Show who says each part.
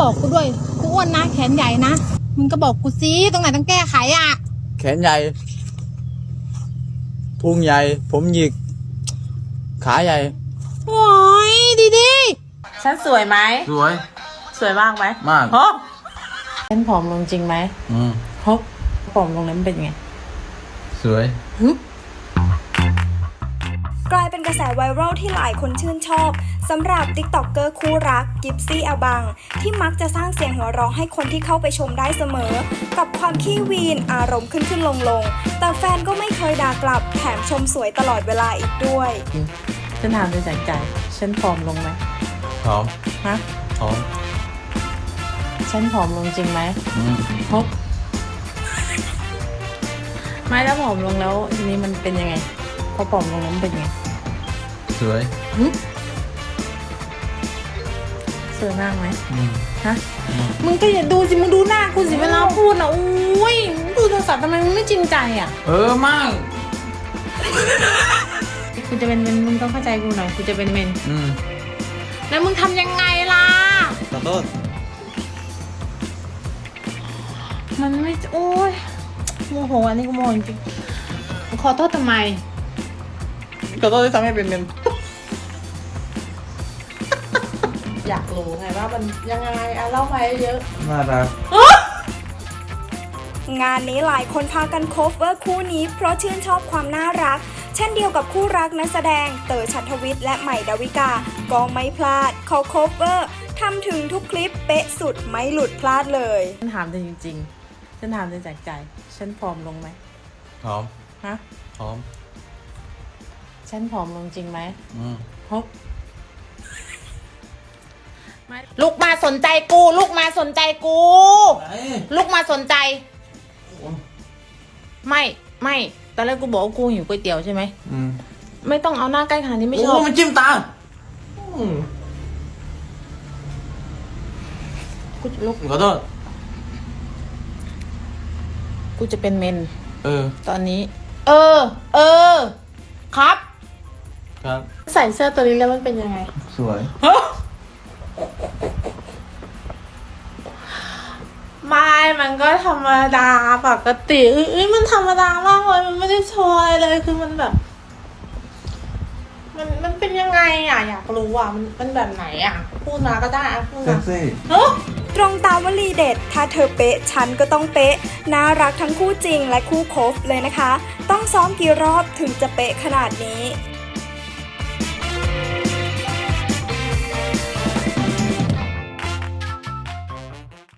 Speaker 1: บอกกูด้วยกูอ้วนนะแขนใหญ่นะมึงก็บอกกูซิตรงไหนต้องแก้ไขอ่ะ
Speaker 2: แขนใหญ่พุงใหญ่ผมหยิกขาใหญ่
Speaker 1: โอ้ยดี
Speaker 3: ฉันสวยไหม
Speaker 2: สวย
Speaker 3: สวยมากไหม
Speaker 2: มาก
Speaker 3: ฮะฉันผอมลงจริงไหมฮะผอมลงแล้วมันเป็นไง
Speaker 2: สวย
Speaker 4: กลายเป็นกระแสไวรัลที่หลายคนชื่นชอบสำหรับติ๊กต็อกเกอร์คู่รักกิฟซี่อาบังที่มักจะสร้างเสียงหัวเราะให้คนที่เข้าไปชมได้เสมอกับความขี้วีนอารมณ์ขึ้นลงแต่แฟนก็ไม่เคยด่ากลับแถมชมสวยตลอดเวลาอีกด้วย
Speaker 3: ฉันถามด้วยจากใจฉันผอมลงไหม
Speaker 2: ผอม
Speaker 3: ฮะ
Speaker 2: ผอม
Speaker 3: ฉันผอมลงจริงไหมฮะไม่แล้วผอมลงแล้วทีนี้มันเป็นยังไงพอผอมลงแล้วมันเป็นไง
Speaker 2: สวย
Speaker 3: สวยมากไหมฮะมึงก็อย่าดูสิมึงดูหน้ากูสิเวลาพูดนะอุ้ยดูโทรศัพท์ทำไมมึงไม่จริงใจอ่ะ
Speaker 2: มาก
Speaker 3: กูจะเป็นเมนมึงต้องเข้าใจกูหน่อยกูจะเป็นเมนแล้วมึงทำยังไงล่ะ
Speaker 2: ขอโทษ
Speaker 3: มันไม่โอ้ยโมโหอันนี้กูโมโหจริงขอโทษทำไม
Speaker 2: ขอโทษที่ทำให้เป็นเมน
Speaker 3: อยากรู้ไงว่ามันยังไงเล่าไปเยอะ
Speaker 2: น่ารัก
Speaker 4: งานนี้หลายคนพากันโคเวอร์คู่นี้เพราะชื่นชอบความน่ารักเช่นเดียวกับคู่รักนักแสดงเต๋อ ฉัตรวิทย์และใหม่ดาวิกาก็ไม่พลาดเขาโคเวอร์ทำถึงทุกคลิปเป๊ะสุดไม่หลุดพลาดเลย
Speaker 3: ฉันถามจริงๆฉันถามจากใจฉันผอมลงไหม
Speaker 2: ผอม
Speaker 3: ฮะ
Speaker 2: ผอม
Speaker 3: ฉันผอมลงจริงไหมฮะลูกมาสนใจกูลูกมาสนใจกูลูกมาสนใจไม่ตอนแรกกูบอกว่ากูหิวก๋วยเตี๋ยวใช่ไหมไม่ต้องเอาหน้าใกล้ขนาดนี้ไม่ชอบ
Speaker 2: มันจิ้มตา
Speaker 3: กูจะลุก
Speaker 2: ขอโทษ
Speaker 3: กูจะเป็นเมนตอนนี้ครับใส่เสื้อตัวนี้แล้วมันเป็นยังไง
Speaker 2: สวย
Speaker 3: ไม่มันก็ธรรมดาปกติมันธรรมดามากเลยมันไม่ได้โชว์อะไรเลยคือมันแบบมันเป็นยังไงอ่ะอยากรู้อ่ะมันแบบไหนอ่ะพูดมาก็ได้อ่ะพูดมา
Speaker 4: ตรงตามวลีเด็ดถ้าเธอเป๊ะฉันก็ต้องเป๊ะน่ารักทั้งคู่จริงและคู่คบเลยนะคะต้องซ้อมกี่รอบถึงจะเป๊ะขนาดนี้